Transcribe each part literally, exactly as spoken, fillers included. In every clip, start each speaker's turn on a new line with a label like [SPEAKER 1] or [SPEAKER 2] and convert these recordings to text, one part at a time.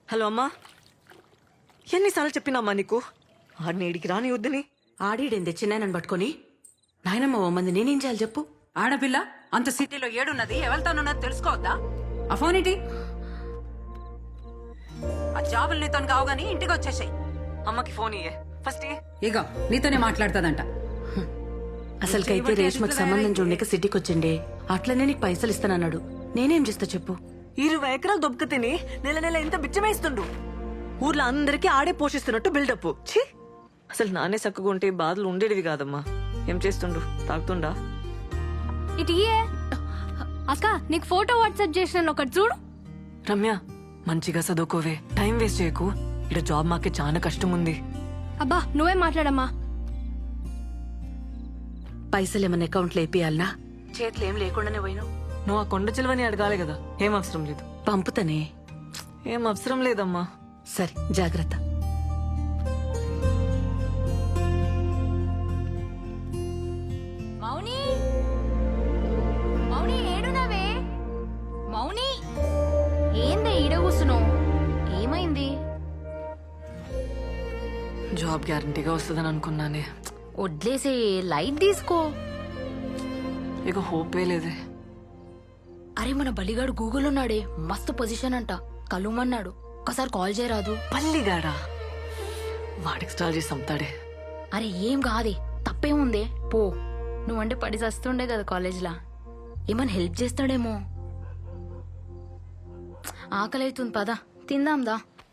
[SPEAKER 1] Hello అమ్మా, ఎన్నిసార్లు చెప్పినామ్మా నీకు ఆడిని ఏడికి రాని వద్దని?
[SPEAKER 2] ఆడిడేందే చిన్నాయనని పట్టుకొని నాయనమ్మ ఓ మంది నేనేం చేయాలి చెప్పు.
[SPEAKER 3] ఆడపిల్ల అంత సిటీలో ఏడున్నది ఎవరితోనున్నది తెలుసుకోవద్దా? ఆ ఫోన్ ఏంటి? ఆ జాబులు నీతో కావు గానీ ఇంటికి వచ్చేసాయి.
[SPEAKER 1] అమ్మకి ఫోన్ ఇయ్యే ఫస్ట్.
[SPEAKER 3] ఇగో నీతోనే మాట్లాడుతుందంట.
[SPEAKER 2] అసలుకైతే రేష్మకి సంబంధం చూడక సిటీకి వచ్చిండే, అట్లనే నీకు పైసలు ఇస్తానన్నాడు. నేనేం చేస్తా చెప్పు.
[SPEAKER 1] ఇరవై ఎకరాలు దొబ్బక తిని నెల నెల ఎంత బిచ్చమేస్తుండు. ఊర్లో అందరికీ ఆడే పోషిస్తున్నట్టు బిల్డప్. ఛీ, అసలు నానే చక్కగా ఉంటే బాధలు ఉండేటివి కాదమ్మా. ఏం చేస్తుండు? తాగుతుండా?
[SPEAKER 4] ఇటు ఇయ్యే. అక్క నీకు ఫోటో వాట్సాప్ చేసిన ఒకటి చూడు.
[SPEAKER 1] రమ్య, మంచిగా చదువుకోవే, టైం వేస్ట్ చేయకు. ఇక్కడ జాబ్ మాకే చాలా కష్టం ఉంది.
[SPEAKER 4] అబ్బా నువ్వే మాట్లాడమ్మా.
[SPEAKER 2] పైసలు ఏమన్నా అకౌంట్లో వేపియాలనా? చేతులు ఏం లేకుండానే పోయినావు.
[SPEAKER 1] నువ్వు ఆ కొండ చిలువని అడగాలి కదా. ఏం అవసరం లేదు.
[SPEAKER 2] పంపుతానే.
[SPEAKER 1] ఏం అవసరం లేదమ్మా.
[SPEAKER 2] సరే జాగ్రత్త.
[SPEAKER 4] మౌని, మౌని ఏడునవే? మౌని ఏందే ఈడ కూసును? ఏమైంది?
[SPEAKER 1] జాబ్ గ్యారంటీగా వస్తుందని అనుకున్నానే.
[SPEAKER 4] వడ్లేసే, లైట్ తీసుకో.
[SPEAKER 1] ఇక హోప్ లేదే.
[SPEAKER 4] అరే మన బలిగాడు గూగుల్ ఉన్నాడే, మస్తు పొజిషన్ అంట. కలుమన్నాడు, ఒకసారి కాల్ చేయరాదు?
[SPEAKER 1] పల్లిగాడా? వాడికి స్టాల్ చేసి అమ్ముతాడే.
[SPEAKER 4] అరే ఏం కాదే, తప్పేముందే, పో. నువ్వంటే పడి చస్తుండే కదా కాలేజ్లా, ఏమన్నా హెల్ప్ చేస్తాడేమో. ఆకలి అవుతుంది, పదా తిందాందా.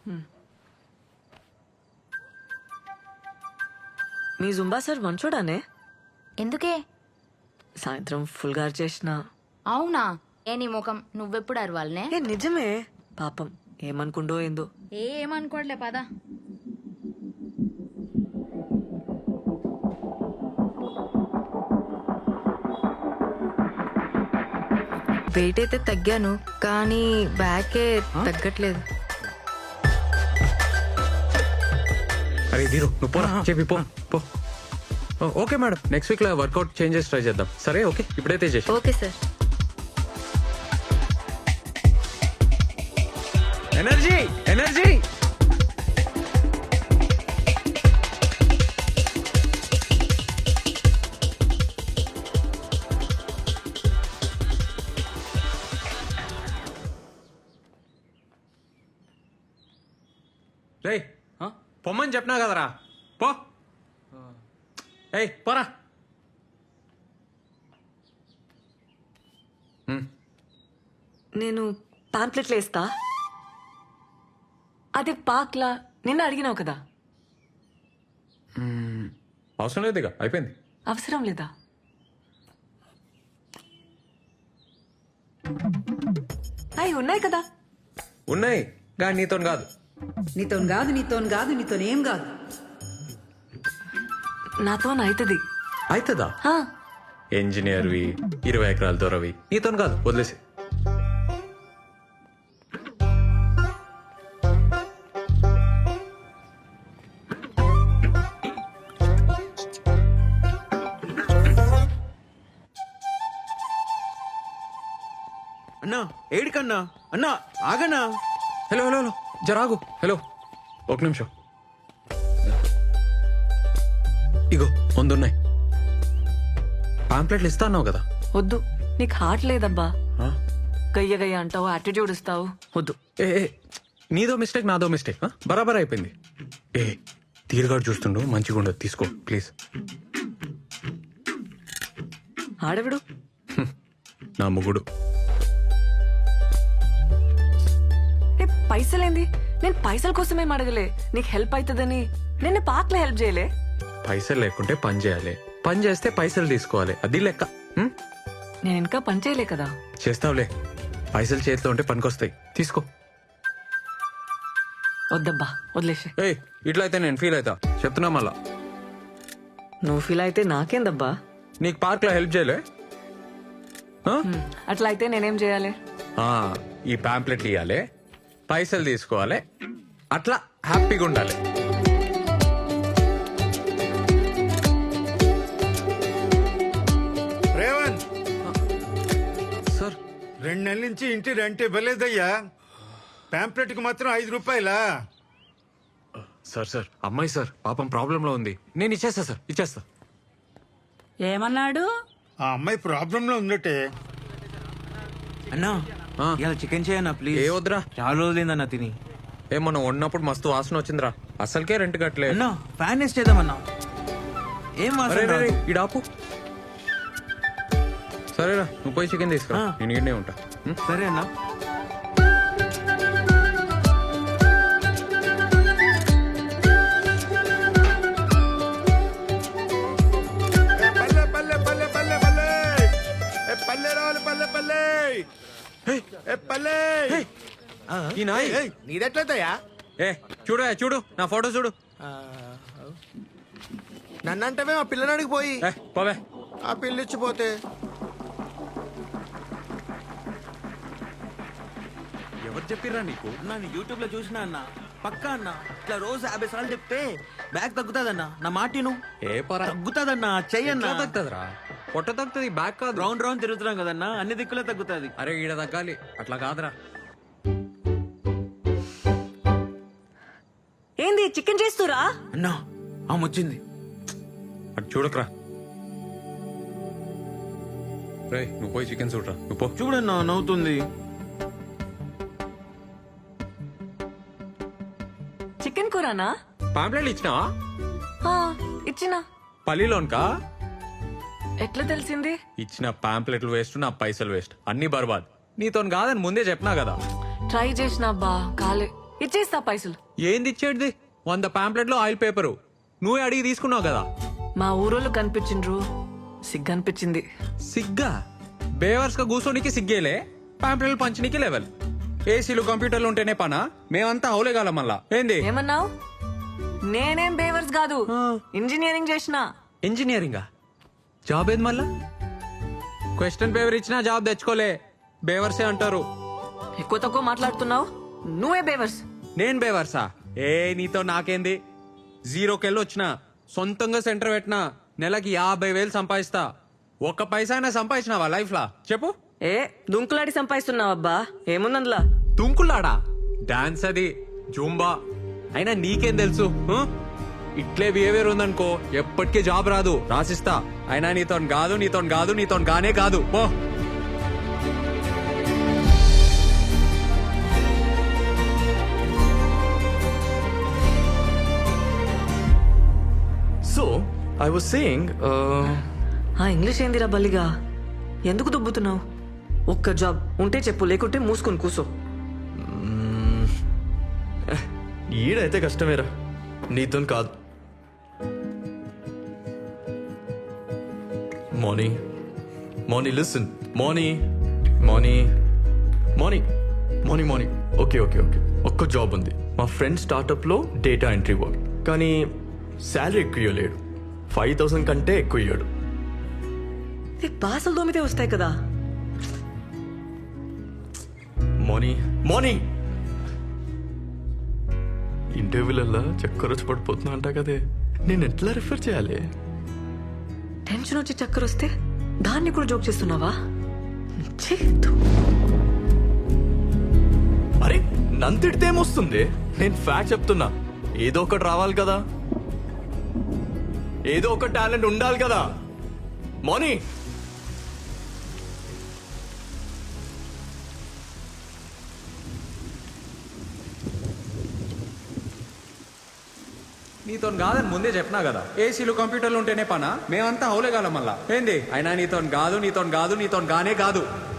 [SPEAKER 1] మీ జుంబా సార్ మంచోడానే?
[SPEAKER 4] ఎందుకే?
[SPEAKER 1] సాయంత్రం ఫుల్ గారు చేసిన.
[SPEAKER 4] అవునా? ఏ నీ ముఖం, నువ్వెప్పుడు అరవాలనే?
[SPEAKER 1] ఏ నిజమే. పాపం ఏమనుకుండో ఏందో.
[SPEAKER 4] ఏ ఏమనుకోవట్లే, పదా.
[SPEAKER 5] వెయిట్ అయితే తగ్గాను, కానీ బ్యాకే తగ్గట్లేదు.
[SPEAKER 6] అరే దీరు నువ్వు పోరా, చెప్పి పో పో. ఓకే మేడం, నెక్స్ట్ వీక్ లో వర్కౌట్ చేంజెస్ ట్రై చేద్దాం. సరే ఓకే, ఇప్పుడైతే చేసి.
[SPEAKER 5] Okay sir.
[SPEAKER 6] ఎనర్జీ ఎనర్జీ రేయ్, పొమ్మని చెప్పినా కదరా, పో. ఏయ్ పోరా.
[SPEAKER 1] నేను పాంప్లెట్లు వేస్తా. అదే పాక్లా నిన్న అడిగినావు కదా.
[SPEAKER 6] అవసరం లేదు, ఇక అయిపోయింది.
[SPEAKER 1] అవసరం లేదా? అవి ఉన్నాయి కదా.
[SPEAKER 6] ఉన్నాయి కానీ నీతో కాదు.
[SPEAKER 3] నీతో కాదు, నీతో కాదు, నీతో ఏం కాదు.
[SPEAKER 1] నాతో అవుతుంది.
[SPEAKER 6] అవుతుందా? ఇంజనీర్వి, ఇరవై ఎకరాల దొరవి, నీతో కాదు, వదిలేసి.
[SPEAKER 7] అన్నా ఏడికన్నా? అన్నా ఆగన్నా.
[SPEAKER 6] హలో హలో హలో జరాగు. హలో ఒక నిమిషం. ఇగో ముందున్నాయి పాంప్లెట్లు. ఇస్తా అన్నావు కదా.
[SPEAKER 1] వద్దు, నీకు హార్ట్ లేదబ్బా.
[SPEAKER 6] ఆ?
[SPEAKER 1] గయ్య గయ్య అంటావు, యాటిట్యూడ్ ఇస్తావు. వద్దు.
[SPEAKER 6] ఏ ఏ, నీదో మిస్టేక్ నాదో మిస్టేక్, బరాబర్ అయిపోయింది. ఏ తీరుగాడు చూస్తుండు, మంచిగా ఉండదు, తీసుకో ప్లీజ్.
[SPEAKER 1] ఆడవిడు
[SPEAKER 6] నా ముగుడు.
[SPEAKER 1] ఏ పైసలేంది? నేను పైసల కోసమేం అడగలే, నీకు హెల్ప్ అవుతుందని. నిన్న పాక్లో హెల్ప్ చేయలే.
[SPEAKER 6] పైసలు లేకుంటే పని చేయాలి, పని చేస్తే పైసలు తీసుకోవాలి, అది లెక్క. హ్మ్?
[SPEAKER 1] నేను ఇంకా పని చేయలే కదా.
[SPEAKER 6] చేస్తావులే, పైసలు చేతిలో ఉంటే పనికొస్తాయి, తీసుకో.
[SPEAKER 1] వద్దబ్బా, వదిలేసే.
[SPEAKER 6] ఏయ్ ఇట్లా అయితే నేను ఫీల్ అవుతా, చెప్తున్నా మళ్ళా.
[SPEAKER 1] నువ్వు ఫీల్ అయితే నాకేందబ్బా.
[SPEAKER 6] నీకు పార్క్ లో హెల్ప్ చేయలే? ఆ?
[SPEAKER 1] అట్లా అయితే నేనేం చేయాలి?
[SPEAKER 6] ఆ, ఈ పాంప్లెట్లు ఇవ్వాలి, పైసలు తీసుకోవాలి, అట్లా హ్యాపీగా ఉండాలి.
[SPEAKER 7] రేవంత్
[SPEAKER 6] సార్
[SPEAKER 7] రెండు నెలల నుంచి ఇంటి రెంట్ ఇవ్వలేదయ్యా.
[SPEAKER 8] పాంప్లెట్ కి మాత్రం ఐదు రూపాయలా?
[SPEAKER 6] సార్ సార్ అమ్మాయి సార్ పాపం ప్రాబ్లంలో ఉంది. నేను ఇచ్చేస్తా సార్, ఇచ్చేస్తా.
[SPEAKER 3] ఏమన్నాడు?
[SPEAKER 8] ఆ అమ్మాయి ప్రాబ్లం లో ఉందటే.
[SPEAKER 7] అన్నా
[SPEAKER 6] ఆ.
[SPEAKER 7] ఇలా చికెన్ చేయన్నా ప్లీజ్.
[SPEAKER 6] ఏ వద్దురా.
[SPEAKER 7] చాలా రోజులైందన్నా తిని.
[SPEAKER 6] ఏ మనం వండినప్పుడు మస్తు వాసన వచ్చిందిరా. అసలుకే రెంట్ కట్టలే.
[SPEAKER 7] అన్నా ఫ్యాన్ వేస్ట్ చేద్దామన్నా. ఏం
[SPEAKER 6] అరే
[SPEAKER 7] వాసన
[SPEAKER 6] రే, రే,
[SPEAKER 7] రాదు.
[SPEAKER 6] ఈడ ఆపు. సరేరా నువ్వు పోయి చికెన్ తీసుకురా,
[SPEAKER 7] ఆ.
[SPEAKER 6] నేను ఈడనే ఉంటా. ఉం?
[SPEAKER 7] సరే అన్నా.
[SPEAKER 8] పల్లె పల్లె పల్లె పల్లె పల్లె ఏ పల్లె రావాలి పల్లె పల్లె ఏ పల్లె.
[SPEAKER 6] ఈ నాయ్
[SPEAKER 9] నీదెట్లయితయా?
[SPEAKER 6] ఏ చూడు ఏ, చూడు నా ఫోటో చూడు.
[SPEAKER 9] నన్నంటవే మా పిల్లనాడికి పోయి
[SPEAKER 6] ఏ పోవే.
[SPEAKER 9] ఆ పిల్లిచ్చిపోతే
[SPEAKER 6] ఎవరు చెప్పిర్రా నీకు?
[SPEAKER 7] అన్నా నేను యూట్యూబ్ లో చూసినా అన్న. పక్కా అన్న ఇట్లా రోజు యాభై సార్లు చెప్తే బ్యాగ్ తగ్గుతాదన్నా. నా మాటిను
[SPEAKER 6] ఏ పరా
[SPEAKER 7] తగ్గుతాదన్నా. చెయ్యన్నా.
[SPEAKER 6] తగ్గుతుందిరా, పొట్ట తగ్గుతుంది, బ్యాక్ కాదు.
[SPEAKER 7] రౌండ్ రౌండ్ తిరుగుతున్నాం కదన్నా, అన్ని దిక్కులే తగ్గుతాది.
[SPEAKER 6] అరే ఈడ తగ్గాలి, అట్లా కాదురా.
[SPEAKER 1] ఏంది చికెన్ చేస్తురా?
[SPEAKER 7] అన్నా ఆమె వచ్చింది.
[SPEAKER 6] అటు చూడకరా. రే నువ్వు పోయి చికెన్ చూడరా, నువ్వు పో.
[SPEAKER 7] చూడన్నా నవ్వుతుంది.
[SPEAKER 1] చికెన్ కూరనా?
[SPEAKER 6] పాంప్లెట్లు ఇచ్చినావా?
[SPEAKER 1] ఆ, ఇచ్చినా.
[SPEAKER 6] పల్లిలోన్కా?
[SPEAKER 1] ఎట్లా తెలిసింది?
[SPEAKER 6] ఇచ్చిన పాంప్లెట్లు వేస్ట్, నా పైసలు వేస్ట్, అన్ని బర్బాద్. నీతో కాదని ముందే చెప్పినా కదా.
[SPEAKER 1] ట్రై చేసినా బా కాలే. ఇచ్చేస్తా పైసలు.
[SPEAKER 6] ఏంది ఇచ్చేటిది? వంద పాంప్లెట్లు ఆయిల్ పేపరు నువ్వే అడిగి తీసుకున్నావు కదా.
[SPEAKER 1] మా ఊరోళ్ళు కనిపించిండ్రు, సిగ్గు అనిపించింది.
[SPEAKER 6] సిగ్గా? బేవర్స్ గా కూర్చోనికి సిగ్గేలే, పాంప్లెట్లు పంచనీకి లెవెల్. ఏసీలు కంప్యూటర్లు ఉంటేనే పనా? మేమంతా హౌలేగాల మళ్ళా. ఏంది
[SPEAKER 1] ఏమన్నావు? నేనేం బేవర్స్ కాదు, ఇంజనీరింగ్ చేసిన.
[SPEAKER 6] ఇంజనీరింగా? జాబ్ ఏది మళ్ళా? క్వశ్చన్ పేపర్ ఇచ్చినా జాబ్ తెచ్చుకోలే, బేవర్సే అంటారు.
[SPEAKER 1] ఎక్కువ తక్కువ మాట్లాడుతున్నావు, నువ్వే బేవర్స్.
[SPEAKER 6] నేను బేవర్సా? ఏ నీతో నాకేంది? జీరోకెళ్ళి వచ్చిన, సొంతంగా సెంటర్ పెట్టినా, నెలకి యాభై వేలు సంపాదిస్తా. ఒక్క పైసా అయినా సంపాదించినావా లైఫ్ లా చెప్పు?
[SPEAKER 1] ఏ దుంకులాడి సంపాదిస్తున్నావబ్బా, ఏముందందులా?
[SPEAKER 6] తుంకులాడా? డాన్స్ అది, జూంబా. అయినా నీకేం తెలుసు? ఆ? ఇట్లే బిహేవియర్ ఉందనుకో ఎప్పటికీ జాబ్ రాదు, రాసిస్తా. అయినా నీతో కాదు, నీతో కాదు, నీతో గానే కాదు. పో.
[SPEAKER 10] So, I was saying, uh,
[SPEAKER 1] ఆ ఇంగ్లీష్ ఏందిరా బల్లిగా? ఎందుకు దుబ్బుతున్నావు? ఒక్క జాబ్ ఉంటే చెప్పు, లేకుంటే మూసుకొని కూసో.
[SPEAKER 10] ఈడైతే కష్టమేరా, నీతో కాదు. Moni Moni listen Moni Moni Moni Moni Moni okay okay okay ఒక్క జాబ్ ఉంది. మా ఫ్రెండ్ స్టార్టప్లో డేటా ఎంట్రీ వర్క్, కానీ శాలరీ ఎక్కువ ఇవ్వలేడు. ఫైవ్ థౌసండ్ కంటే ఎక్కువ ఇవ్వడు.
[SPEAKER 1] నీకు బాసలు దోమితే వస్తాయి కదా.
[SPEAKER 10] మోనీ మోనీ ఇంటర్వ్యూలల్లా చక్కర వచ్చి పడిపోతున్నా అంట కదే, నేను ఎట్లా రిఫర్ చేయాలి?
[SPEAKER 1] టెన్షన్ వచ్చి చక్కర వస్తే దాన్ని కూడా జోక్ చేస్తున్నావా? ఛీ, ధూ.
[SPEAKER 10] అరే నంతిడితే ఏమొస్తుంది? నేను ఫ్యాక్ట్ చెప్తున్నా. ఏదో ఒకటి రావాలి కదా, ఏదో ఒక టాలెంట్ ఉండాలి కదా. మోనీ
[SPEAKER 6] నీతో కాదని ముందే చెప్పినా కదా. ఏసీలు కంప్యూటర్లు ఉంటేనే పనా? మేమంతా హౌలేగాల మళ్ళా. ఏంది? అయినా నీతో కాదు, నీతో కాదు, నీతో గానే కాదు.